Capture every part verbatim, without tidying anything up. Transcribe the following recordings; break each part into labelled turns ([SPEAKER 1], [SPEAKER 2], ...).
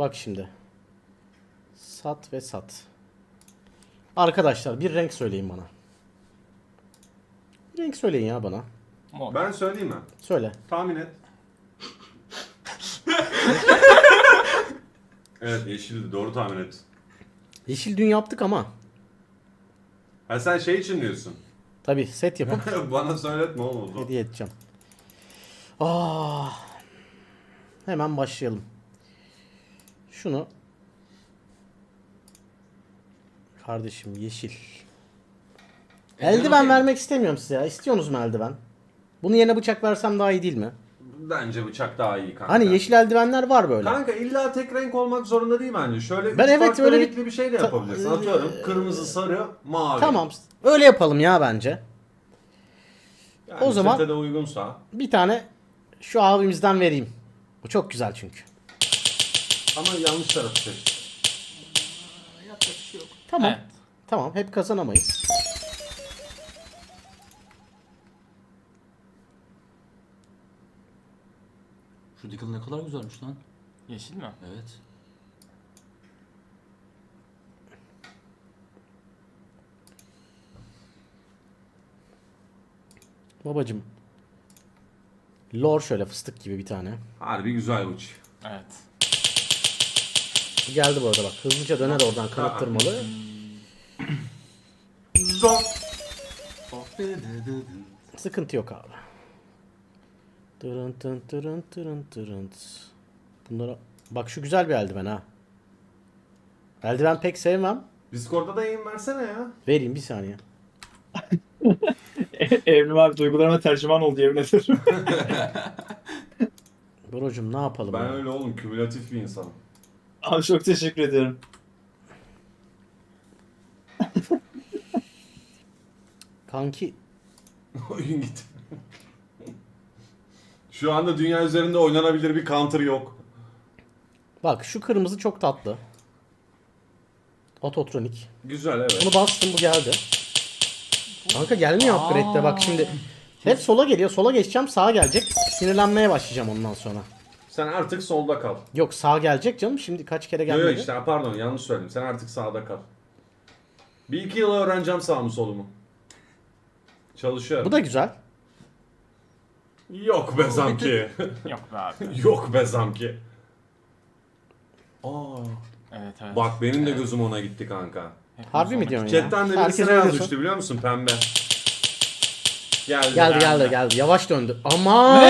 [SPEAKER 1] Bak şimdi. Sat ve sat. Arkadaşlar bir renk söyleyin bana. Bir renk söyleyin ya bana.
[SPEAKER 2] Mor.
[SPEAKER 3] Ben söyleyeyim mi?
[SPEAKER 1] Söyle.
[SPEAKER 3] Tahmin et. Evet, yeşildi. Doğru tahmin et.
[SPEAKER 1] Yeşil dün yaptık ama.
[SPEAKER 3] Ha sen şey için diyorsun.
[SPEAKER 1] Tabi set yapıp
[SPEAKER 3] Bana söyletme oğlum.
[SPEAKER 1] hediye edeceğim. Ah. Hemen başlayalım. Şunu. Kardeşim yeşil. Eldiven vermek istemiyorum size ya. İstiyorsunuz mu eldiven? Bunu yerine bıçak versem daha iyi değil mi?
[SPEAKER 3] Bence bıçak daha iyi kanka.
[SPEAKER 1] Hani yeşil eldivenler var böyle.
[SPEAKER 3] Kanka illa tek renk olmak zorunda değil bence. Şöyle
[SPEAKER 1] Ben
[SPEAKER 3] üç
[SPEAKER 1] evet,
[SPEAKER 3] farklı
[SPEAKER 1] öyle bir-
[SPEAKER 3] renkli bir şey de
[SPEAKER 1] Ta-
[SPEAKER 3] yapabilirsin. Atıyorum kırmızı, sarı, mavi.
[SPEAKER 1] Tamam. Öyle yapalım ya bence.
[SPEAKER 3] Yani
[SPEAKER 1] O zaman-
[SPEAKER 3] sete de uygunsa.
[SPEAKER 1] Bir tane şu abimizden vereyim. Bu çok güzel çünkü.
[SPEAKER 3] Ama yanlış tarafı seç.
[SPEAKER 2] Yapacak bir şey yok.
[SPEAKER 1] Tamam.
[SPEAKER 2] Evet.
[SPEAKER 1] Tamam. Hep kazanamayız.
[SPEAKER 4] Şu Deagle ne kadar güzelmiş lan.
[SPEAKER 2] Yeşil mi?
[SPEAKER 4] Evet.
[SPEAKER 1] Babacım. Lor şöyle fıstık gibi bir tane.
[SPEAKER 3] Harbi güzel uç.
[SPEAKER 2] Evet.
[SPEAKER 1] Geldi bu arada bak. Hızlıca döner oradan kanıttırmalı.
[SPEAKER 3] Zor.
[SPEAKER 1] Sıkıntı yok abi. Tırın tın tırın tırın tırın. Bunlara... Bak şu güzel bir eldiven ha. Eldiven pek sevmem.
[SPEAKER 3] Discord'da da yayın versene ya.
[SPEAKER 1] Vereyim bir saniye.
[SPEAKER 5] Evrim abi duygularıma tercüman oldu yemin ederim.
[SPEAKER 1] Brocum ne yapalım
[SPEAKER 3] Ben
[SPEAKER 1] ya?
[SPEAKER 3] öyle oğlum, kümülatif bir insanım.
[SPEAKER 5] Abi çok teşekkür ediyorum.
[SPEAKER 1] Kanki
[SPEAKER 3] Oyun gitti. Şu anda dünya üzerinde oynanabilir bir counter yok.
[SPEAKER 1] bak şu kırmızı çok tatlı. Ototronik.
[SPEAKER 3] Güzel evet.
[SPEAKER 1] Bunu bastım bu geldi. Kanka gelmiyor upgrade'de bak şimdi. Hep sola geliyor. Sola geçeceğim sağa gelecek. Sinirlenmeye başlayacağım ondan sonra.
[SPEAKER 3] Sen artık solda kal.
[SPEAKER 1] Yok sağa gelecek canım. Şimdi kaç kere
[SPEAKER 3] Yok
[SPEAKER 1] gelmedi.
[SPEAKER 3] yok işte pardon yanlış söyledim. Sen artık sağda kal. Bir iki yıl öğreneceğim sağ mı solumu. Çalışıyorum.
[SPEAKER 1] Bu da güzel.
[SPEAKER 3] Yok be zamki.
[SPEAKER 2] Yok be abi.
[SPEAKER 3] Yok be zamki. Aa.
[SPEAKER 2] Evet evet.
[SPEAKER 3] Bak benim de gözüm ona gitti kanka.
[SPEAKER 2] Hepimiz
[SPEAKER 1] Harbi mi
[SPEAKER 2] ona
[SPEAKER 1] diyorsun
[SPEAKER 2] gittik.
[SPEAKER 1] ya?
[SPEAKER 3] Chatten de
[SPEAKER 1] Herkes
[SPEAKER 3] birisi
[SPEAKER 1] öyle
[SPEAKER 3] yazmıştı
[SPEAKER 1] diyorsun.
[SPEAKER 3] biliyor musun pembe. Geldi.
[SPEAKER 1] Geldi geldi
[SPEAKER 2] Geldi.
[SPEAKER 1] geldi. Yavaş döndü. Aman!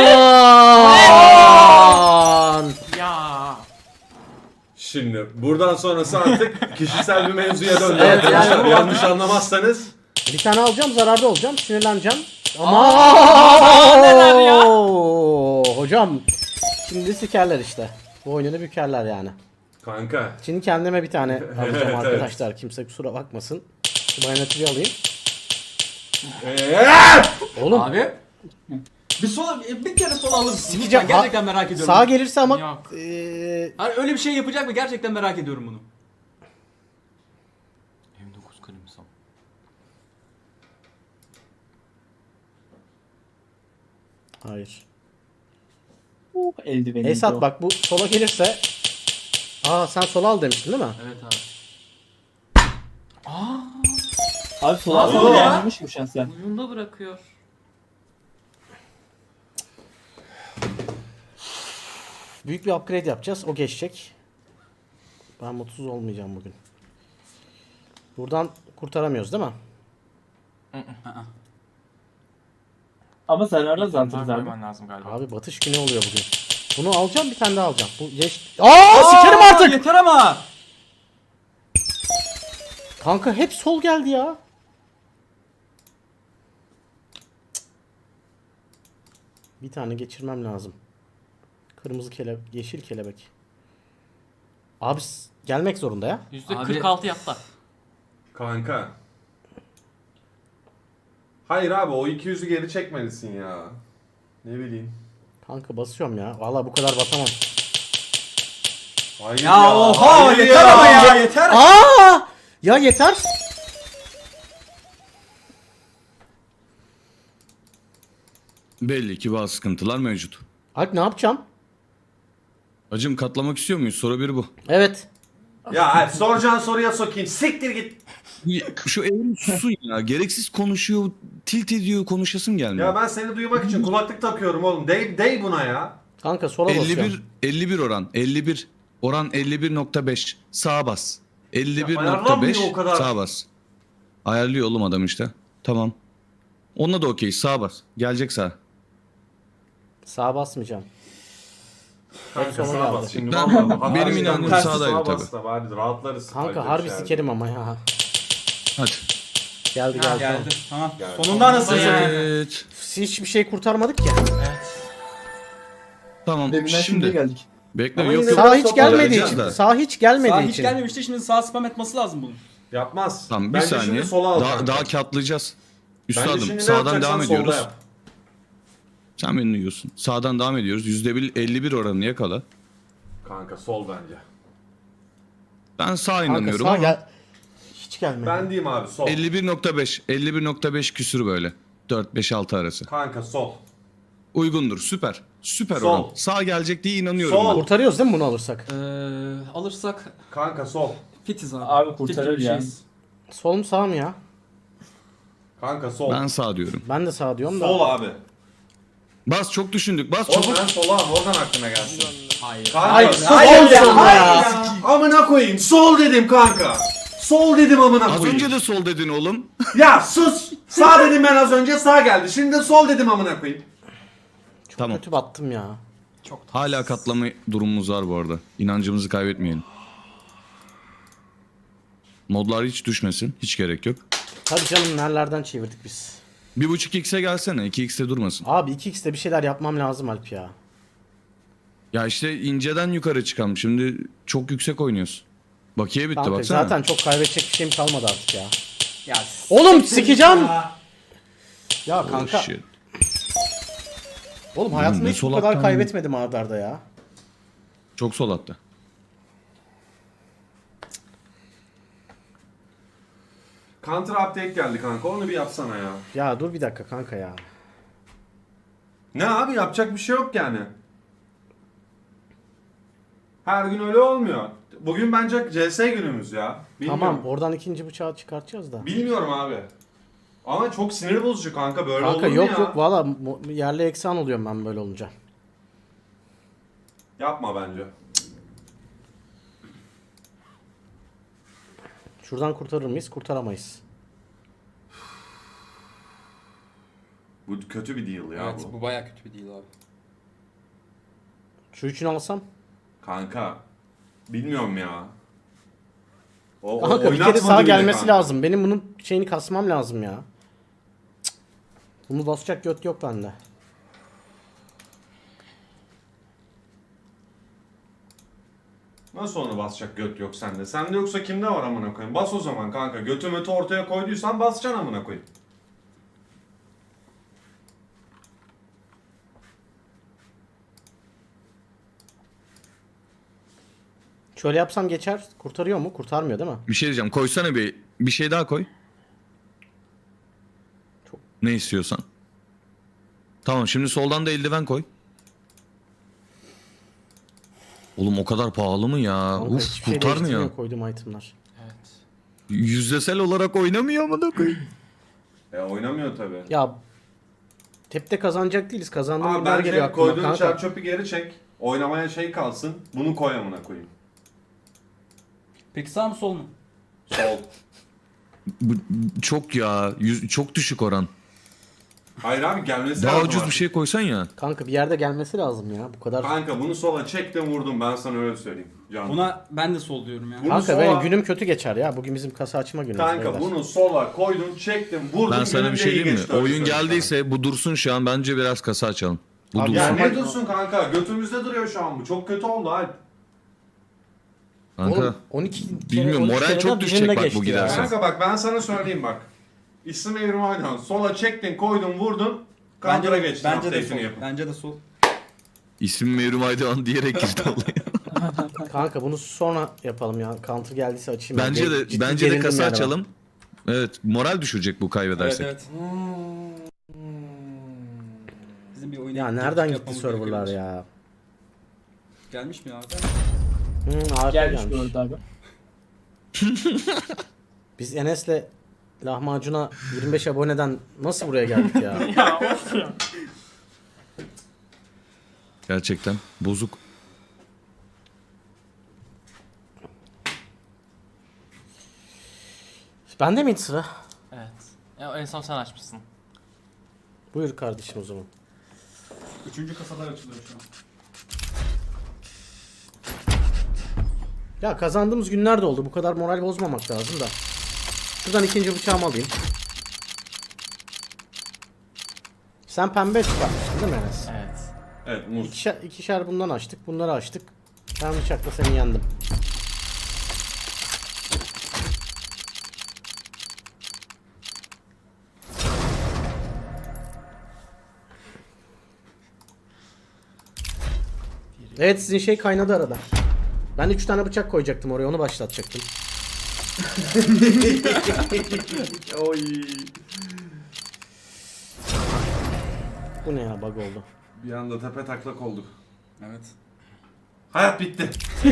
[SPEAKER 2] Ya.
[SPEAKER 3] Şimdi buradan sonrası artık kişisel bir mevzuya döndü
[SPEAKER 1] Evet,
[SPEAKER 3] arkadaşlar.
[SPEAKER 1] yani-
[SPEAKER 3] Yanlış anlamazsanız.
[SPEAKER 1] Bir tane alacağım zararda olacağım. Sinirleneceğim.
[SPEAKER 2] Aa, neler ya?
[SPEAKER 1] Aman! Hocam. Şimdi sikerler işte. Bu oyununu bükerler yani.
[SPEAKER 3] Kanka.
[SPEAKER 1] Şimdi kendime bir tane alacağım
[SPEAKER 3] Evet,
[SPEAKER 1] arkadaşlar. Kimse kusura bakmasın. Şu bayanatıyı alayım.
[SPEAKER 3] Eee!
[SPEAKER 1] Oğlum
[SPEAKER 4] Abi. Bir sola bir kere sola alır mısın?
[SPEAKER 1] sikeceğim.
[SPEAKER 4] Lütfen, gerçekten merak ediyorum.
[SPEAKER 1] Sağa gelirse ama
[SPEAKER 2] Yok.
[SPEAKER 1] eee,
[SPEAKER 4] Hani öyle bir şey yapacak mı? Gerçekten merak ediyorum bunu.
[SPEAKER 2] yirmi dokuz kalemsam.
[SPEAKER 1] hayır.
[SPEAKER 5] Uh, eldiveni.
[SPEAKER 1] Esat bak bu sola gelirse. Aa sen sola al demiştin değil mi?
[SPEAKER 4] Evet abi.
[SPEAKER 5] Abi sola
[SPEAKER 4] Abi
[SPEAKER 5] sola
[SPEAKER 4] ya.
[SPEAKER 5] gelmemiş mi şansen?
[SPEAKER 2] Uyunda bırakıyor.
[SPEAKER 1] Büyük bir upgrade yapacağız. O geçecek. Ben mutsuz olmayacağım bugün. Buradan kurtaramıyoruz değil mi?
[SPEAKER 5] Ama sen arada
[SPEAKER 2] Bunlar
[SPEAKER 5] zantırız abi.
[SPEAKER 2] koyman lazım galiba.
[SPEAKER 1] Abi batış günü oluyor bugün. Bunu alacağım bir tane daha alacağım. Bu geç... Aa sikerim
[SPEAKER 4] Aa,
[SPEAKER 1] artık.
[SPEAKER 4] Yeter ama.
[SPEAKER 1] Kanka hep sol geldi ya. Bir tane geçirmem lazım. Kırmızı kelebek, yeşil kelebek. Abi s- gelmek zorunda ya.
[SPEAKER 2] yüzde
[SPEAKER 4] Abi-
[SPEAKER 2] kırk altı yaptı.
[SPEAKER 3] Kanka. Hayır abi o iki yüzü geri çekmelisin ya. Ne bileyim.
[SPEAKER 1] Kanka basıyorum ya. Vallahi bu kadar basamam.
[SPEAKER 3] Hayır
[SPEAKER 4] Ya oha
[SPEAKER 3] hayır
[SPEAKER 4] yeter ama ya yeter.
[SPEAKER 1] Aa! Ya yeter.
[SPEAKER 6] Belli ki bazı sıkıntılar mevcut.
[SPEAKER 1] Alp ne yapacağım?
[SPEAKER 6] Hacım katlamak istiyor muyuz? Soru bir bu.
[SPEAKER 1] Evet.
[SPEAKER 3] Ya hadi soracağın soruya sokayım. Siktir git.
[SPEAKER 6] Şu evrim susun ya. Gereksiz konuşuyor, tilt ediyor, konuşasın gelmiyor.
[SPEAKER 3] Ya ben seni duymak için kulaklık takıyorum oğlum. Dey, dey buna ya.
[SPEAKER 1] Kanka sola basıyorum.
[SPEAKER 6] elli bir elli bir oran. elli bir oran elli bir nokta beş. Sağa bas. elli bir nokta
[SPEAKER 3] ayarlanmıyor
[SPEAKER 6] beş
[SPEAKER 3] o kadar.
[SPEAKER 6] sağa bas. Ayarlıyor oğlum adam işte. Tamam. Onunla da okey. Sağa bas. Gelecek sağa.
[SPEAKER 1] Sağa basmayacağım.
[SPEAKER 3] Kanka
[SPEAKER 1] sola
[SPEAKER 3] sağa
[SPEAKER 1] geldi.
[SPEAKER 3] bas şimdi.
[SPEAKER 6] Ben-
[SPEAKER 3] vallahi bak,
[SPEAKER 6] benim
[SPEAKER 3] harbiden
[SPEAKER 6] inancım
[SPEAKER 3] tersi
[SPEAKER 6] sağdaydı
[SPEAKER 3] sağa
[SPEAKER 6] tabii.
[SPEAKER 3] bas da bari rahatlarız.
[SPEAKER 1] Kanka
[SPEAKER 3] Haydi
[SPEAKER 1] harbi
[SPEAKER 3] bir şey.
[SPEAKER 1] sikerim ama ya.
[SPEAKER 6] Hadi.
[SPEAKER 1] Geldi
[SPEAKER 4] Ha,
[SPEAKER 1] geldi.
[SPEAKER 4] geldi. Tamam.
[SPEAKER 3] Geldi.
[SPEAKER 4] Sonunda anasını satayım.
[SPEAKER 6] Evet.
[SPEAKER 1] Hiçbir şey kurtarmadık ya.
[SPEAKER 6] Tamam.
[SPEAKER 5] Deminden şimdi
[SPEAKER 6] Şimdi.
[SPEAKER 5] geldik.
[SPEAKER 6] Bekle
[SPEAKER 3] Ama
[SPEAKER 6] yok
[SPEAKER 3] yine-
[SPEAKER 6] yok.
[SPEAKER 1] Sağ hiç
[SPEAKER 3] Sola
[SPEAKER 1] gelmediği
[SPEAKER 6] geleceğiz
[SPEAKER 1] için.
[SPEAKER 6] de.
[SPEAKER 1] Sağ hiç gelmediği
[SPEAKER 4] Sağ hiç
[SPEAKER 1] için.
[SPEAKER 4] gelmemişti. Şimdi sağ spam etmesi lazım bunun.
[SPEAKER 3] Yapmaz.
[SPEAKER 6] Tamam bir
[SPEAKER 3] Bence
[SPEAKER 6] saniye.
[SPEAKER 3] şimdi sola al.
[SPEAKER 6] Daha,
[SPEAKER 3] kanka.
[SPEAKER 6] daha katlayacağız.
[SPEAKER 3] Bence
[SPEAKER 6] Üstadım
[SPEAKER 3] şimdi ne
[SPEAKER 6] sağdan
[SPEAKER 3] yapacaksan
[SPEAKER 6] devam
[SPEAKER 3] solda
[SPEAKER 6] ediyoruz.
[SPEAKER 3] yap.
[SPEAKER 6] Sen beni duyuyorsun. Sağdan devam ediyoruz. yüzde elli bir oranını yakala.
[SPEAKER 3] Kanka sol bence.
[SPEAKER 6] Ben sağ
[SPEAKER 1] Kanka
[SPEAKER 6] inanıyorum
[SPEAKER 1] sağ
[SPEAKER 6] ama
[SPEAKER 1] gel. Hiç gelmedi.
[SPEAKER 3] Ben diyeyim abi sol.
[SPEAKER 6] elli bir nokta beş. elli bir nokta beş küsür böyle. dört beş altı arası.
[SPEAKER 3] Kanka sol.
[SPEAKER 6] Uygundur. Süper. Süper
[SPEAKER 3] Sol.
[SPEAKER 6] oran. Sağ gelecek diye inanıyorum
[SPEAKER 3] Sol.
[SPEAKER 6] ben.
[SPEAKER 1] Kurtarıyoruz değil mi bunu alırsak?
[SPEAKER 4] Ee, alırsak
[SPEAKER 3] Kanka sol.
[SPEAKER 4] fitiz abi.
[SPEAKER 5] Abi
[SPEAKER 4] Fit
[SPEAKER 5] kurtarır
[SPEAKER 4] gibi
[SPEAKER 5] ya.
[SPEAKER 4] şeyiz.
[SPEAKER 1] Sol mu sağ mı ya?
[SPEAKER 3] Kanka sol.
[SPEAKER 6] Ben sağ diyorum.
[SPEAKER 1] Ben de sağ diyorum da.
[SPEAKER 3] Sol abi.
[SPEAKER 6] Bas çok düşündük. Bas
[SPEAKER 3] Oğlum
[SPEAKER 6] çabuk.
[SPEAKER 3] ben sola al, oradan aklına gelsin.
[SPEAKER 4] Hayır.
[SPEAKER 3] Kanka,
[SPEAKER 1] Hayır,
[SPEAKER 3] hayır,
[SPEAKER 1] sol dedim
[SPEAKER 3] hayır
[SPEAKER 1] ya.
[SPEAKER 3] Amına koyayım. Sol dedim kanka. Sol dedim amına
[SPEAKER 6] Az
[SPEAKER 3] koyayım.
[SPEAKER 6] önce de sol dedin oğlum.
[SPEAKER 3] Ya sus. Sağ dedim ben az önce, sağ geldi. Şimdi de sol dedim amına koyayım.
[SPEAKER 1] Çok
[SPEAKER 6] Tamam.
[SPEAKER 1] kötü battım ya.
[SPEAKER 4] Çok
[SPEAKER 6] Hala katlama durumumuz var bu arada. İnancımızı kaybetmeyelim. Modlar hiç düşmesin. Hiç gerek yok.
[SPEAKER 1] Tabii canım nerelerden çevirdik biz.
[SPEAKER 6] bir buçuk x'e gelsene. iki x'te durmasın.
[SPEAKER 1] Abi iki x'te bir şeyler yapmam lazım Alp ya.
[SPEAKER 6] Ya işte inceden yukarı çıkalım. Şimdi çok yüksek oynuyorsun. Bakiye bitti
[SPEAKER 1] Kanka
[SPEAKER 6] baksana.
[SPEAKER 1] zaten çok kaybedecek bir şeyim kalmadı artık ya.
[SPEAKER 4] Ya
[SPEAKER 1] Oğlum sikeceğim. Ya
[SPEAKER 6] Oh,
[SPEAKER 1] kanka.
[SPEAKER 6] shit.
[SPEAKER 1] Oğlum hayatımda
[SPEAKER 6] ne
[SPEAKER 1] hiç bu
[SPEAKER 6] sol
[SPEAKER 1] kadar
[SPEAKER 6] attan-
[SPEAKER 1] kaybetmedim arda arda ya.
[SPEAKER 6] Çok sol attı.
[SPEAKER 3] Counter update geldi kanka. Onu bir yapsana ya.
[SPEAKER 1] Ya dur bir dakika kanka ya.
[SPEAKER 3] Ne abi, yapacak bir şey yok yani. Her gün öyle olmuyor. Bugün bence C S günümüz ya. Bilmiyorum.
[SPEAKER 1] Tamam oradan ikinci bıçağı çıkartacağız da.
[SPEAKER 3] Bilmiyorum abi. Ama çok sinir bozucu kanka, böyle
[SPEAKER 1] Kanka
[SPEAKER 3] olur mu
[SPEAKER 1] yok
[SPEAKER 3] ya?
[SPEAKER 1] yok valla mu- yerli eksan oluyorum ben böyle olunca.
[SPEAKER 3] Yapma bence.
[SPEAKER 1] Şuradan kurtarır mıyız? Kurtaramayız.
[SPEAKER 3] Bu kötü bir deal ya
[SPEAKER 4] evet
[SPEAKER 3] bu.
[SPEAKER 4] bu baya kötü bir deal abi.
[SPEAKER 1] Şu üçünü alsam.
[SPEAKER 3] Kanka. Bilmiyorum ya. O, o
[SPEAKER 1] Kanka bir kere
[SPEAKER 3] oynatmadı
[SPEAKER 1] sağa
[SPEAKER 3] bile
[SPEAKER 1] gelmesi
[SPEAKER 3] kanka.
[SPEAKER 1] lazım. Benim bunun şeyini kasmam lazım ya. Cık. Bunu basacak göt yok bende.
[SPEAKER 3] Nasıl onu basacak göt yok sende? Sende yoksa kimde var amına koyayım? Bas o zaman kanka. Götü mötü ortaya koyduysan basacaksın amına koyayım.
[SPEAKER 1] Şöyle yapsam geçer. Kurtarıyor mu? Kurtarmıyor değil mi?
[SPEAKER 6] Bir şey diyeceğim. Koysana bir bir şey daha koy.
[SPEAKER 1] Çok-
[SPEAKER 6] Ne istiyorsan. Tamam şimdi soldan da eldiven koy. Oğlum o kadar pahalı mı ya?
[SPEAKER 1] Kanka
[SPEAKER 6] Uf
[SPEAKER 1] hiçbir şey
[SPEAKER 6] kurtarmıyor.
[SPEAKER 1] değiştirmiyor koyduğum itemler.
[SPEAKER 4] Evet.
[SPEAKER 6] Yüzdesel olarak oynamıyor mu da koy?
[SPEAKER 3] E oynamıyor tabi.
[SPEAKER 1] Ya tepte kazanacak değiliz. Kazandığım
[SPEAKER 3] Abi
[SPEAKER 1] günler geliyor
[SPEAKER 3] bence
[SPEAKER 1] aklıma
[SPEAKER 3] koyduğun
[SPEAKER 1] kanka.
[SPEAKER 3] çer çöpü geri çek. Oynamaya şey kalsın. Bunu koy amına koyayım.
[SPEAKER 4] Peki sağ mı sol mu?
[SPEAKER 3] Sol.
[SPEAKER 6] Bu, çok ya. Yüz, çok düşük oran.
[SPEAKER 3] Hayır abi, gelmesi
[SPEAKER 6] Daha
[SPEAKER 3] lazım
[SPEAKER 6] ucuz bir
[SPEAKER 3] artık.
[SPEAKER 6] şey koysan ya.
[SPEAKER 1] Kanka bir yerde gelmesi lazım ya. Bu kadar.
[SPEAKER 3] Kanka bunu sola çektim vurdum, ben sana öyle söyleyeyim. Can.
[SPEAKER 4] Buna ben de sol diyorum ya.
[SPEAKER 3] Bu-
[SPEAKER 1] Kanka
[SPEAKER 3] sola-
[SPEAKER 1] benim günüm kötü geçer ya. Bugün bizim kasa açma günümüz.
[SPEAKER 3] Kanka
[SPEAKER 1] beyler.
[SPEAKER 3] bunu sola koydum, çektim, vurdum.
[SPEAKER 6] Ben sana
[SPEAKER 3] günüm
[SPEAKER 6] bir
[SPEAKER 3] de
[SPEAKER 6] şey
[SPEAKER 3] iyi
[SPEAKER 6] diyeyim mi?
[SPEAKER 3] geçti, öyle
[SPEAKER 6] Oyun
[SPEAKER 3] söyleyeyim sana.
[SPEAKER 6] geldiyse bu dursun şu an. Bence biraz kasa açalım. Bu
[SPEAKER 1] Abi
[SPEAKER 6] dursun.
[SPEAKER 3] Ya
[SPEAKER 1] Normal-
[SPEAKER 3] ne dursun kanka? Götümüzde duruyor şu an bu. Çok kötü oldu Alp.
[SPEAKER 6] Kanka.
[SPEAKER 1] Oğlum on iki kere,
[SPEAKER 6] Bilmiyorum,
[SPEAKER 1] on iki
[SPEAKER 6] moral
[SPEAKER 1] kereden
[SPEAKER 6] çok düşecek
[SPEAKER 1] birinde
[SPEAKER 6] bak bu
[SPEAKER 1] geçti ya.
[SPEAKER 6] giderse.
[SPEAKER 3] Kanka bak ben sana söyleyeyim bak. İsim evrim oynan. Sola çektin, koydun, vurdun.
[SPEAKER 4] Bence
[SPEAKER 3] Counter'a
[SPEAKER 4] de,
[SPEAKER 3] geçtin.
[SPEAKER 4] bence de
[SPEAKER 3] update'ini
[SPEAKER 4] sol.
[SPEAKER 3] yapın.
[SPEAKER 4] Bence de sol.
[SPEAKER 6] İsim Mevrim Aydoğan diyerek girdi olaya.
[SPEAKER 1] Kanka bunu sonra yapalım ya. Counter geldiyse açayım.
[SPEAKER 6] Bence
[SPEAKER 1] Ben
[SPEAKER 6] de
[SPEAKER 1] ciddi
[SPEAKER 6] bence de
[SPEAKER 1] gerildim
[SPEAKER 6] kasa
[SPEAKER 1] yani ben.
[SPEAKER 6] açalım. Evet, moral düşürecek bu
[SPEAKER 4] Evet
[SPEAKER 6] kaybedersek.
[SPEAKER 4] evet. Bizim bir oyuna
[SPEAKER 1] Ya
[SPEAKER 4] gittik,
[SPEAKER 1] nereden gitti
[SPEAKER 4] yapmamız
[SPEAKER 1] serverlar
[SPEAKER 4] gerekiyor.
[SPEAKER 1] ya?
[SPEAKER 4] Gelmiş mi abi?
[SPEAKER 1] Hı, harika
[SPEAKER 5] Gelmiş
[SPEAKER 1] gelmiş.
[SPEAKER 5] bu arada abi.
[SPEAKER 1] Biz Enes'le lahmacuna yirmi beş aboneden nasıl buraya geldik ya?
[SPEAKER 2] Ya of ya.
[SPEAKER 6] Gerçekten bozuk.
[SPEAKER 1] Bende miydi sıra?
[SPEAKER 2] Evet. Ya en son sen açmışsın.
[SPEAKER 1] Buyur kardeşim o zaman.
[SPEAKER 4] Üçüncü kasalar açılıyor şu an.
[SPEAKER 1] Ya kazandığımız günler de oldu. Bu kadar moral bozmamak lazım da. Şuradan ikinci bıçağımı alayım. Sen pembe çıkartmıştın değil mi Enes?
[SPEAKER 2] Evet.
[SPEAKER 3] Evet muz.
[SPEAKER 1] İkişer, ikişer bundan açtık. Bunları açtık. Ben bıçakla seni yendim. Evet sizin şey kaynadı arada. Ben üç tane bıçak koyacaktım oraya, onu başlatacaktım.
[SPEAKER 3] Oy.
[SPEAKER 1] Bu ne ya, bug oldu.
[SPEAKER 3] Bir anda tepe taklak olduk.
[SPEAKER 4] Evet.
[SPEAKER 3] Hayat bitti.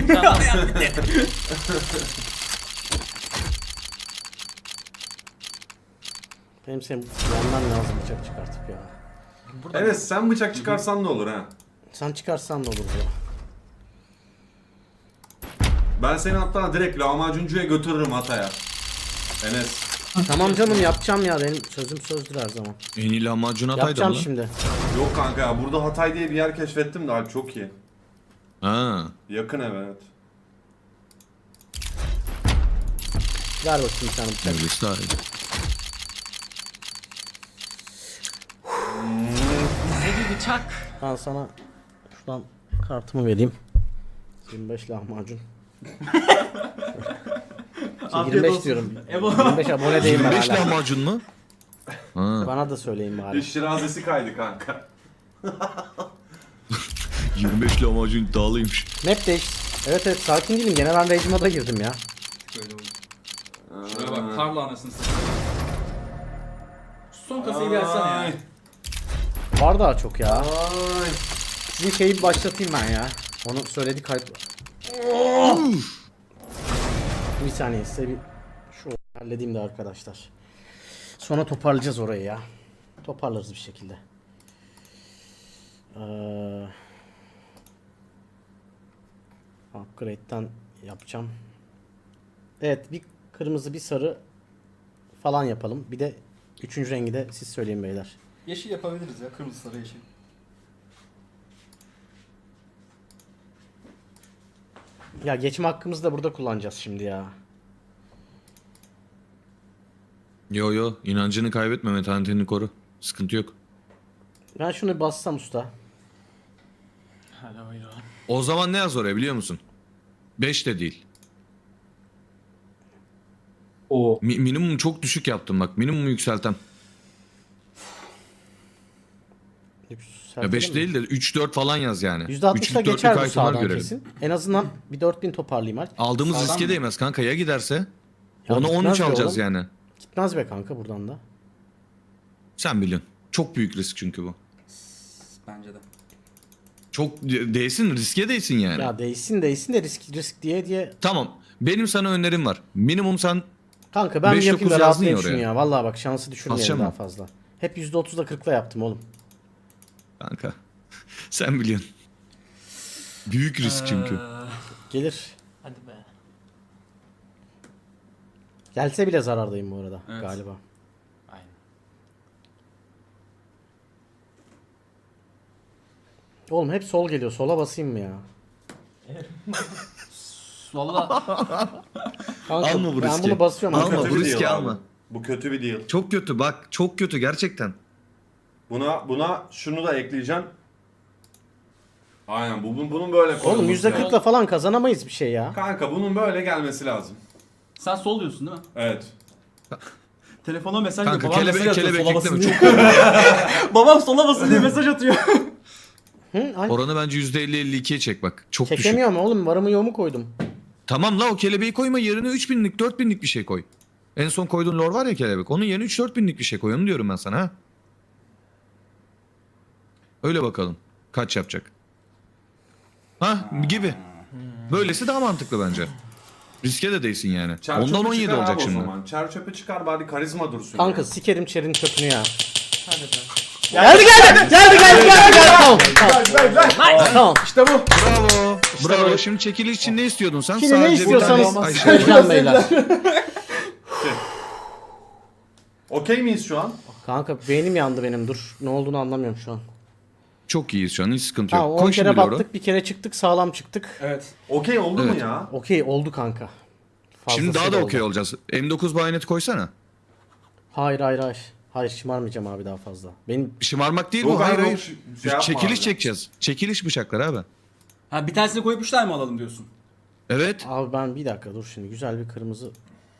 [SPEAKER 1] Benim senin yandan lazım bıçak çıkartıp ya.
[SPEAKER 2] Burada
[SPEAKER 3] Enes sen bıçak çıkarsan ne olur ha?
[SPEAKER 1] Sen çıkarsan da olur ya.
[SPEAKER 3] Ben seni hatta direkt lahmacuncuya götürürüm Hatay'a. Enes.
[SPEAKER 1] Tamam canım, yapacağım ya, benim sözüm sözdür her zaman.
[SPEAKER 6] En iyi lahmacun Hatay'da
[SPEAKER 1] Yapacağım
[SPEAKER 6] mı?
[SPEAKER 1] şimdi.
[SPEAKER 3] Yok kanka ya, burada Hatay diye bir yer keşfettim de abi çok iyi.
[SPEAKER 6] Ha.
[SPEAKER 3] Yakın ev, evet.
[SPEAKER 1] Ver bakayım bir tane bıçak.
[SPEAKER 6] Öylesi daha iyi.
[SPEAKER 2] bize bir bıçak.
[SPEAKER 1] Ben sana şuradan kartımı vereyim. yirmi beş lahmacun. Şey, yirmi beş diyorum. yirmi beş abone değilim ben
[SPEAKER 6] yirmi beş
[SPEAKER 1] hala.
[SPEAKER 6] lahmacun mu? Ha.
[SPEAKER 1] Bana da söyleyin
[SPEAKER 3] Bir
[SPEAKER 1] bari.
[SPEAKER 3] şirazesi kaydı kanka.
[SPEAKER 6] yirmi beş lahmacun iddialıymış.
[SPEAKER 1] Map değiş. Evet evet, sakin değilim. Gene ben Rage moda girdim ya.
[SPEAKER 4] Böyle oldu. Şuraya bak, karla anasını satayım. Şu son kasayı bir açsana ya.
[SPEAKER 3] Ay.
[SPEAKER 1] Var daha çok ya.
[SPEAKER 3] Ay.
[SPEAKER 1] Sizin şeyi bir başlatayım ben ya. Onu söyledi kayıt. Bir saniye size bir şu halledeyim de arkadaşlar. Sonra toparlayacağız orayı ya. Toparlarız bir şekilde. Ee, upgrade'den yapacağım. Evet, bir kırmızı bir sarı falan yapalım. Bir de üçüncü rengi de siz söyleyin beyler.
[SPEAKER 4] Yeşil yapabiliriz ya. Kırmızı sarı yeşil.
[SPEAKER 1] Ya geçme hakkımızı da burada kullanacağız şimdi ya.
[SPEAKER 6] Yo yo, inancını kaybetme, metanetini koru. Sıkıntı yok.
[SPEAKER 1] Ben şunu bir bassam usta.
[SPEAKER 2] Hadi buyurun.
[SPEAKER 6] O zaman ne yaz oraya biliyor musun? beş de değil.
[SPEAKER 5] Oo.
[SPEAKER 6] Mi- minimum çok düşük yaptım bak. Minimumu yükseltem. Ya beş değil de üç dört falan yaz yani.
[SPEAKER 1] yüzde altmışla
[SPEAKER 6] Üçlük, dörtlük
[SPEAKER 1] geçer bu
[SPEAKER 6] itemler
[SPEAKER 1] sağdan
[SPEAKER 6] görelim.
[SPEAKER 1] kesin. En azından bir dört bin toparlayayım artık.
[SPEAKER 6] Aldığımız
[SPEAKER 4] Sağdan
[SPEAKER 6] riske
[SPEAKER 4] mı?
[SPEAKER 6] değmez kanka, ya giderse?
[SPEAKER 1] Ya
[SPEAKER 6] Onu
[SPEAKER 1] gitmez
[SPEAKER 6] on üç
[SPEAKER 1] be
[SPEAKER 6] alacağız
[SPEAKER 1] oğlum.
[SPEAKER 6] yani.
[SPEAKER 1] Gitmez be kanka buradan da.
[SPEAKER 6] Sen biliyorsun. Çok büyük risk çünkü bu.
[SPEAKER 4] Bence de.
[SPEAKER 6] Çok de- değsin, riske değsin yani.
[SPEAKER 1] Ya değsin değsin de risk risk diye diye.
[SPEAKER 6] Tamam. Benim sana önerim var. Minimum sen
[SPEAKER 1] Kanka ben bir
[SPEAKER 6] beş
[SPEAKER 1] yapayım da
[SPEAKER 6] dokuz yazdın
[SPEAKER 1] rahatlayayım
[SPEAKER 6] ya
[SPEAKER 1] şunu
[SPEAKER 6] oraya.
[SPEAKER 1] ya. Vallahi bak, şansı düşürmeyelim
[SPEAKER 6] Basacağım
[SPEAKER 1] daha
[SPEAKER 6] mı?
[SPEAKER 1] fazla. Hep yüzde otuzla kırkla yaptım oğlum.
[SPEAKER 6] kanka. Sen biliyorsun. Büyük risk çünkü.
[SPEAKER 2] Ee,
[SPEAKER 1] Gelir.
[SPEAKER 2] hadi be.
[SPEAKER 1] Gelse bile zarardayım bu arada
[SPEAKER 4] Evet.
[SPEAKER 1] galiba.
[SPEAKER 2] Aynen.
[SPEAKER 1] Oğlum hep sol geliyor. Sola basayım mı ya?
[SPEAKER 2] Valla
[SPEAKER 1] Kanka,
[SPEAKER 6] Alma bu
[SPEAKER 1] ben
[SPEAKER 6] riski.
[SPEAKER 1] bunu basıyorum.
[SPEAKER 6] Alma,
[SPEAKER 1] arkadaşlar.
[SPEAKER 6] bu
[SPEAKER 3] bir
[SPEAKER 6] riski
[SPEAKER 3] deal abi.
[SPEAKER 6] alma.
[SPEAKER 3] Bu kötü bir deal.
[SPEAKER 6] Çok kötü bak. Çok kötü gerçekten.
[SPEAKER 3] Buna buna şunu da ekleyeceğim. Aynen bu bunun, bunun böyle koyulması
[SPEAKER 1] Oğlum yüzde
[SPEAKER 3] lazım.
[SPEAKER 1] kırkla falan kazanamayız bir şey ya.
[SPEAKER 3] Kanka bunun böyle gelmesi lazım.
[SPEAKER 4] Sen sol diyorsun değil mi?
[SPEAKER 3] Evet.
[SPEAKER 4] Telefona mesaj
[SPEAKER 6] Kanka
[SPEAKER 4] Babam
[SPEAKER 6] kelebek
[SPEAKER 4] mesaj atıyor,
[SPEAKER 6] kelebek
[SPEAKER 4] sola basın
[SPEAKER 6] ekleme.
[SPEAKER 4] diye.
[SPEAKER 6] Çok
[SPEAKER 4] Babam sola basın diye mesaj atıyor.
[SPEAKER 1] Hı? Ay,
[SPEAKER 6] Oranı bence yüzde elli elli ikiye çek bak. Çok düşük.
[SPEAKER 1] çekemiyorum oğlum. Varımı yoğumu koydum.
[SPEAKER 6] Tamam la, o kelebeği koyma, yerine üç binlik dört binlik bir şey koy. En son koyduğun lor var ya kelebek. Onun yerine üç dört binlik bir şey koy. Onu diyorum ben sana ha. Öyle bakalım. Kaç yapacak? Ha gibi. Böylesi daha mantıklı bence. Riske de değilsin yani.
[SPEAKER 3] Çer
[SPEAKER 6] Ondan
[SPEAKER 3] çöpü
[SPEAKER 6] on yedi
[SPEAKER 3] çıkar
[SPEAKER 6] olacak
[SPEAKER 3] abi o
[SPEAKER 6] şimdi.
[SPEAKER 3] zaman. Çer çöpü çıkar bari karizma dursun.
[SPEAKER 1] Kanka
[SPEAKER 3] ya.
[SPEAKER 1] sikerim çerin çöpünü ya.
[SPEAKER 2] Hadi be.
[SPEAKER 1] Geldi geldi geldi geldi geldi geldi. Tamam tamam.
[SPEAKER 3] Ver, ver.
[SPEAKER 1] Tamam.
[SPEAKER 3] İşte bu.
[SPEAKER 6] Bravo. Bravo.
[SPEAKER 1] böyle.
[SPEAKER 6] Şimdi çekiliş için ne istiyordun sen?
[SPEAKER 1] Şimdi ne
[SPEAKER 6] Sadece bir tane
[SPEAKER 1] istiyorsanız
[SPEAKER 6] aşağı-
[SPEAKER 1] söyleyeceğim beyler.
[SPEAKER 3] Okey miyiz şu an?
[SPEAKER 1] Kanka beynim yandı benim, dur. Ne olduğunu anlamıyorum şu an.
[SPEAKER 6] Çok iyiyiz şu an, hiç sıkıntı yok.
[SPEAKER 1] Tamam, on
[SPEAKER 6] Koy
[SPEAKER 1] kere
[SPEAKER 6] şimdi Loro.
[SPEAKER 1] battık, bir kere çıktık, sağlam çıktık.
[SPEAKER 2] Evet.
[SPEAKER 3] Okey oldu mu
[SPEAKER 6] Evet.
[SPEAKER 3] ya?
[SPEAKER 1] Okey oldu kanka.
[SPEAKER 6] Şimdi daha
[SPEAKER 1] Fazlasıyla
[SPEAKER 6] da
[SPEAKER 1] oldu.
[SPEAKER 6] okey olacağız. M dokuz bayoneti koysana.
[SPEAKER 1] Hayır hayır hayır. Hayır, şımarmayacağım abi daha fazla. Benim
[SPEAKER 6] Şımarmak değil
[SPEAKER 3] Yok
[SPEAKER 6] bu. Hayır
[SPEAKER 3] abi,
[SPEAKER 6] hayır.
[SPEAKER 3] yok, şey yapma
[SPEAKER 6] Çekiliş
[SPEAKER 3] abi.
[SPEAKER 6] çekeceğiz. Çekiliş bıçaklar abi.
[SPEAKER 4] Ha bir tanesini koyup üç tane mi alalım diyorsun?
[SPEAKER 6] Evet.
[SPEAKER 1] abi ben bir dakika dur şimdi, güzel bir kırmızı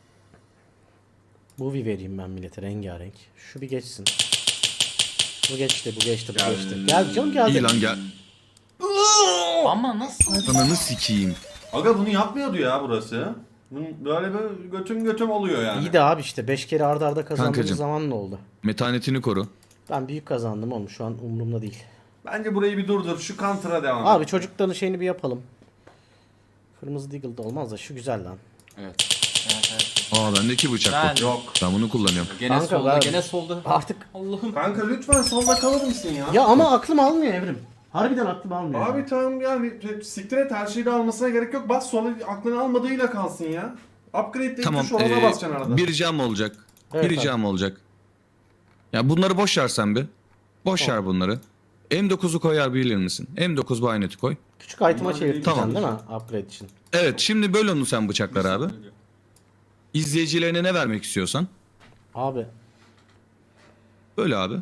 [SPEAKER 1] Movie vereyim ben millete, rengarenk. Şu bir geçsin. Bu geçti, bu geçti, bu
[SPEAKER 3] Gel.
[SPEAKER 1] geçti. Gel canım, geldi.
[SPEAKER 6] İyi lan gel.
[SPEAKER 2] Ama nasıl?
[SPEAKER 6] Ananı sikeyim.
[SPEAKER 3] Aga bunu yapmıyordu ya burası. Bunun böyle böyle götüm götüm oluyor yani.
[SPEAKER 1] İyi de abi işte beş kere arda arda kazandığımız
[SPEAKER 6] Kankacım.
[SPEAKER 1] zaman ne oldu?
[SPEAKER 6] Metanetini koru.
[SPEAKER 1] Ben büyük kazandım oğlum, şu an umurumda değil.
[SPEAKER 3] Bence burayı bir durdur. Şu counter'a devam
[SPEAKER 1] Abi
[SPEAKER 3] et.
[SPEAKER 1] çocukların şeyini bir yapalım. Kırmızı Deagle da olmaz da şu güzel lan.
[SPEAKER 4] Evet.
[SPEAKER 2] Evet evet.
[SPEAKER 6] Aa bendeki bıçak
[SPEAKER 2] Ben-
[SPEAKER 6] bu.
[SPEAKER 3] Yok.
[SPEAKER 6] Ben bunu kullanıyorum.
[SPEAKER 4] Gene
[SPEAKER 1] Kanka,
[SPEAKER 4] solda,
[SPEAKER 1] ben-
[SPEAKER 4] gene solda.
[SPEAKER 1] Artık
[SPEAKER 4] Allah'ım.
[SPEAKER 3] Kanka lütfen solda kalır mısın ya?
[SPEAKER 1] ya ama aklım almıyor Evrim. Harbiden aklım almıyor.
[SPEAKER 3] Abi tamam yani siktir et, her şeyi de almasına gerek yok. Bas sola, aklını almadığıyla kalsın ya. Upgrade deyip
[SPEAKER 6] Tamam.
[SPEAKER 3] tuş olana
[SPEAKER 6] ee,
[SPEAKER 3] basacaksın arada.
[SPEAKER 6] bir ricam olacak.
[SPEAKER 1] Evet,
[SPEAKER 6] bir ricam olacak. Ya bunları boş ver sen bir. Boş ver bunları. M dokuzu koyar bilir misin? M dokuz bayoneti koy.
[SPEAKER 1] Küçük item'a
[SPEAKER 3] Bunlar
[SPEAKER 1] çevirteceksin
[SPEAKER 6] Tamam.
[SPEAKER 1] değil mi? Upgrade için.
[SPEAKER 6] Evet, şimdi böl onu sen bıçaklar abi. İzleyicilerine ne vermek istiyorsan.
[SPEAKER 1] Abi
[SPEAKER 6] Böyle abi.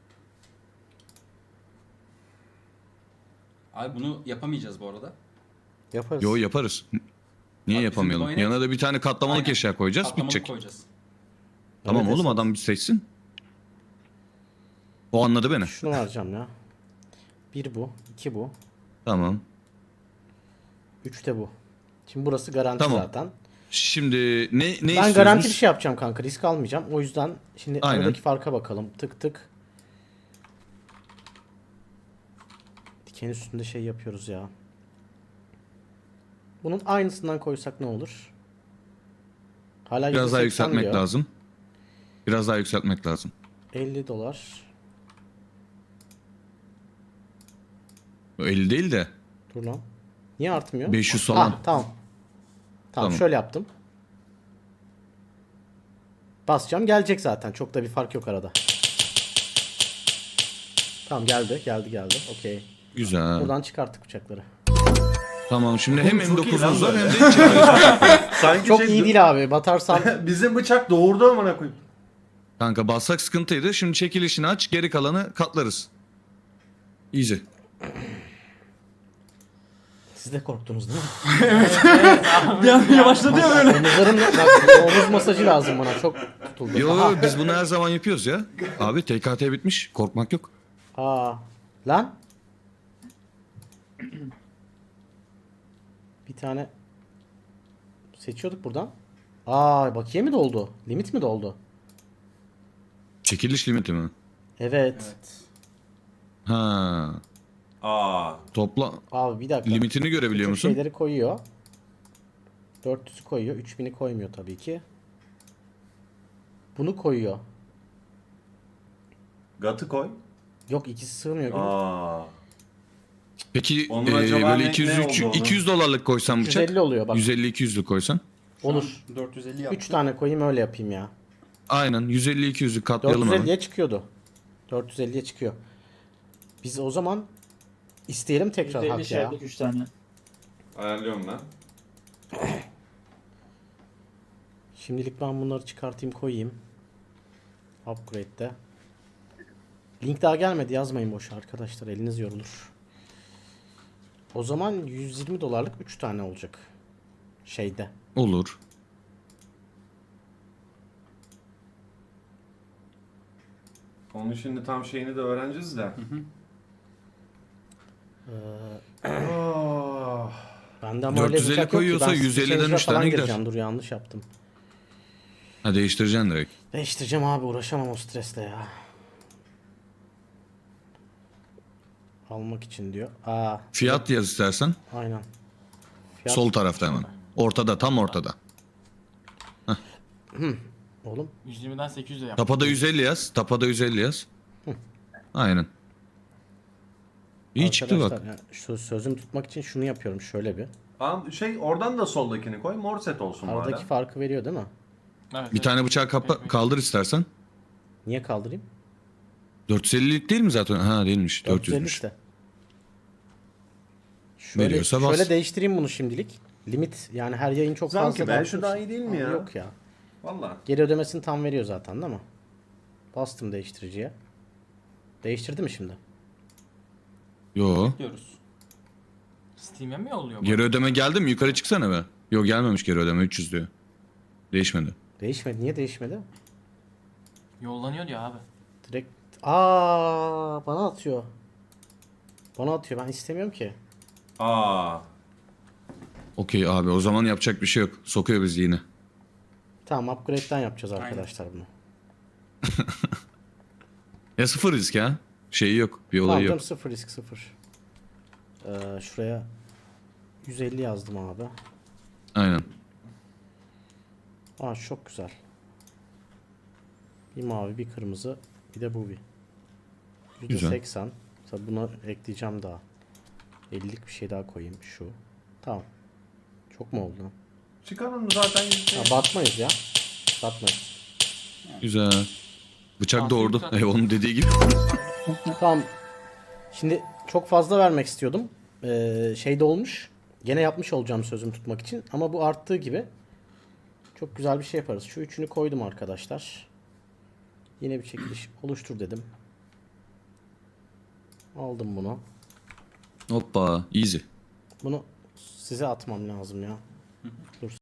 [SPEAKER 4] Abi bunu yapamayacağız bu arada.
[SPEAKER 1] yaparız.
[SPEAKER 6] Yo yaparız. Niye
[SPEAKER 4] Abi bizim
[SPEAKER 6] yapamayalım?
[SPEAKER 4] bayonet-
[SPEAKER 6] Yanına da bir tane katlamalık
[SPEAKER 4] Aynen.
[SPEAKER 6] eşya koyacağız,
[SPEAKER 4] Katlamalık
[SPEAKER 6] bitecek.
[SPEAKER 4] koyacağız.
[SPEAKER 6] Tamam
[SPEAKER 1] Evet,
[SPEAKER 6] oğlum,
[SPEAKER 1] esas.
[SPEAKER 6] adam bir seçsin. O anladı beni.
[SPEAKER 1] Şunu vereceğim ya. Bir bu, iki bu,
[SPEAKER 6] Tamam.
[SPEAKER 1] üç de bu. Şimdi burası garanti
[SPEAKER 6] Tamam.
[SPEAKER 1] zaten.
[SPEAKER 6] Şimdi ne ne
[SPEAKER 1] Ben
[SPEAKER 6] istiyoruz?
[SPEAKER 1] garanti bir şey yapacağım kanka, risk almayacağım. O yüzden şimdi
[SPEAKER 6] Aynen.
[SPEAKER 1] aradaki farka bakalım. Tık tık. Diken üstünde şey yapıyoruz ya. Bunun aynısından koysak ne olur? Hala
[SPEAKER 6] Biraz daha
[SPEAKER 1] yüzde seksen
[SPEAKER 6] yükseltmek
[SPEAKER 1] diyor.
[SPEAKER 6] lazım. Biraz daha yükseltmek lazım.
[SPEAKER 1] elli dolar.
[SPEAKER 6] elli değil de
[SPEAKER 1] Dur lan. Niye artmıyor?
[SPEAKER 6] beş yüz falan.
[SPEAKER 1] Ha, tamam. Tamam.
[SPEAKER 6] Tamam.
[SPEAKER 1] Şöyle yaptım. Basacağım, gelecek zaten. Çok da bir fark yok arada. Tamam, geldi geldi geldi. Okey.
[SPEAKER 6] Güzel.
[SPEAKER 1] Buradan çıkarttık bıçakları.
[SPEAKER 6] Tamam, şimdi hem
[SPEAKER 3] Oğlum, çok iyi lan
[SPEAKER 6] M dokuzumuz var
[SPEAKER 3] böyle.
[SPEAKER 6] hem de içeriyoruz.
[SPEAKER 3] Sanki
[SPEAKER 1] Çok
[SPEAKER 3] şey-
[SPEAKER 1] iyi değil abi. Batarsam
[SPEAKER 3] Bizim bıçak doğurdu amına koyayım.
[SPEAKER 6] Kanka bassak sıkıntıydı. Şimdi çekilişini aç, geri kalanı katlarız. Easy.
[SPEAKER 1] siz de korktunuz değil mi?
[SPEAKER 4] Bir an yavaşladı ya böyle.
[SPEAKER 1] Omuzlarım, bak, omuz masajı lazım bana. Çok tutuldu.
[SPEAKER 6] Yo
[SPEAKER 1] Aha.
[SPEAKER 6] biz bunu her zaman yapıyoruz ya. Abi T K T bitmiş. Korkmak yok.
[SPEAKER 1] Aa. Lan. Bir tane seçiyorduk buradan. Aa, bakiye mi doldu? Limit mi doldu?
[SPEAKER 6] Çekiliş limiti mi?
[SPEAKER 1] Evet.
[SPEAKER 4] Evet.
[SPEAKER 6] Ha.
[SPEAKER 3] Aa.
[SPEAKER 6] Topla
[SPEAKER 1] Abi bir dakika.
[SPEAKER 6] limitini görebiliyor
[SPEAKER 1] Bütün
[SPEAKER 6] musun?
[SPEAKER 1] şeyleri koyuyor. dört yüzü koyuyor. üç bini koymuyor tabii ki. Bunu koyuyor.
[SPEAKER 3] Gatı koy.
[SPEAKER 1] Yok, ikisi sığmıyor. gibi.
[SPEAKER 3] Aa.
[SPEAKER 6] Peki
[SPEAKER 3] Onun
[SPEAKER 6] e,
[SPEAKER 3] acaba
[SPEAKER 6] böyle
[SPEAKER 3] ne-
[SPEAKER 6] iki yüz
[SPEAKER 3] ne
[SPEAKER 6] üç-
[SPEAKER 3] oldu onun?
[SPEAKER 6] iki yüz dolarlık koysam
[SPEAKER 1] yüz
[SPEAKER 6] bıçak.
[SPEAKER 1] elli oluyor bak.
[SPEAKER 6] yüz elli iki yüzlük koysan.
[SPEAKER 1] Olur.
[SPEAKER 4] dört yüz elli yaptım.
[SPEAKER 1] üç tane koyayım, öyle yapayım ya.
[SPEAKER 6] Aynen yüz elli iki yüzlük katlayalım hemen.
[SPEAKER 1] dört yüz elliye çıkıyordu. dört yüz elliye çıkıyor. Biz o zaman isteyelim tekrar
[SPEAKER 5] yüzde elli
[SPEAKER 1] hak ya.
[SPEAKER 5] şey üç tane.
[SPEAKER 3] Ayarlıyorum ben.
[SPEAKER 1] Şimdilik ben bunları çıkartayım, koyayım. Upgrade'de. Link daha gelmedi, yazmayın boş arkadaşlar, eliniz yorulur. O zaman yüz yirmi dolarlık üç tane olacak. Şeyde.
[SPEAKER 6] Olur.
[SPEAKER 3] Onun şimdi tam şeyini de öğreneceğiz de. Oh.
[SPEAKER 1] Ben de ama öyle
[SPEAKER 6] dört yüz elli
[SPEAKER 1] bıçak yok ki.
[SPEAKER 6] koyuyorsa
[SPEAKER 1] Ben
[SPEAKER 6] yüz elliden
[SPEAKER 1] Stitcher'e
[SPEAKER 6] üç tane
[SPEAKER 1] falan
[SPEAKER 6] gider.
[SPEAKER 1] gireceğim. Dur, yanlış yaptım.
[SPEAKER 6] Ha değiştireceksin direkt.
[SPEAKER 1] Değiştireceğim abi, uğraşamam o stresle ya. almak için diyor. Aa,
[SPEAKER 6] Fiyat yaz istersen.
[SPEAKER 1] aynen. Fiyat,
[SPEAKER 6] Sol tarafta hemen. Ortada, tam ortada.
[SPEAKER 1] oğlum.
[SPEAKER 2] yüz yirmiden sekiz yüze yap.
[SPEAKER 6] Tapada yüz elli yaz. Tapada yüz elli yaz. Aynen. İyi çıktı bak.
[SPEAKER 1] Arkadaşlar, yani şu sözümü tutmak için şunu yapıyorum şöyle bir.
[SPEAKER 3] Tamam şey oradan da soldakini koy. Mor set olsun
[SPEAKER 1] Aradaki
[SPEAKER 3] bari.
[SPEAKER 1] farkı veriyor değil mi?
[SPEAKER 2] Evet,
[SPEAKER 6] Bir
[SPEAKER 2] evet.
[SPEAKER 6] tane bıçağı kapa- kaldır istersen.
[SPEAKER 1] Niye kaldırayım?
[SPEAKER 6] dört yüz ellilik değil mi zaten? Ha değilmiş.
[SPEAKER 1] dört yüz elli
[SPEAKER 6] dört yüzmüş.
[SPEAKER 1] işte. Şöyle,
[SPEAKER 6] Veriyorsa bas.
[SPEAKER 1] şöyle değiştireyim bunu şimdilik. Limit yani her yayın çok
[SPEAKER 3] Zanki
[SPEAKER 1] fazla.
[SPEAKER 3] be,
[SPEAKER 1] dağıtmış.
[SPEAKER 3] şu daha iyi değil mi
[SPEAKER 1] Aa,
[SPEAKER 3] ya?
[SPEAKER 1] Yok ya.
[SPEAKER 3] Valla.
[SPEAKER 1] Geri ödemesini tam veriyor zaten değil mi? Bastım değiştiriciye. Değiştirdi mi şimdi?
[SPEAKER 6] Yo.
[SPEAKER 2] Diyoruz. Steam'e mi yolluyor bu?
[SPEAKER 6] Geri ödeme geldi mi? Yukarı çıksana be. Yo gelmemiş geri ödeme. üç yüz diyor. Değişmedi.
[SPEAKER 1] Değişmedi. Niye değişmedi?
[SPEAKER 2] Yollanıyor diyor abi.
[SPEAKER 1] Direkt aa bana atıyor. Bana atıyor. Ben istemiyorum ki.
[SPEAKER 3] Aa.
[SPEAKER 6] Okey abi o zaman yapacak bir şey yok. Sokuyor bizi yine.
[SPEAKER 1] Tamam upgrade'den yapacağız arkadaşlar bunu.
[SPEAKER 6] Ya sıfır risk ya. Şeyi yok. Bir
[SPEAKER 1] Tamam
[SPEAKER 6] olayı
[SPEAKER 1] canım,
[SPEAKER 6] yok.
[SPEAKER 1] sıfır risk sıfır. Ee, şuraya yüz elli yazdım abi.
[SPEAKER 6] Aynen.
[SPEAKER 1] Aa çok güzel. Bir mavi bir kırmızı bir de bu bir.
[SPEAKER 6] Güzel.
[SPEAKER 1] yüzde seksen. Tabi buna ekleyeceğim daha. ellilik bir şey daha koyayım şu. Tamam. Çok mu oldu?
[SPEAKER 3] Çıkarın zaten
[SPEAKER 1] Ha, batmayız ya. Batmayız.
[SPEAKER 6] Güzel. Bıçak
[SPEAKER 2] Afiyet
[SPEAKER 6] doğurdu.
[SPEAKER 2] olsun.
[SPEAKER 6] Ey onun dediği gibi.
[SPEAKER 1] Tamam. Şimdi çok fazla vermek istiyordum. Ee, şey de olmuş. Gene yapmış olacağım sözümü tutmak için. Ama bu arttığı gibi çok güzel bir şey yaparız. Şu üçünü koydum arkadaşlar. Yine bir çekiliş oluştur dedim. Aldım bunu.
[SPEAKER 6] Hoppa. Easy.
[SPEAKER 1] Bunu size atmam lazım ya. Dur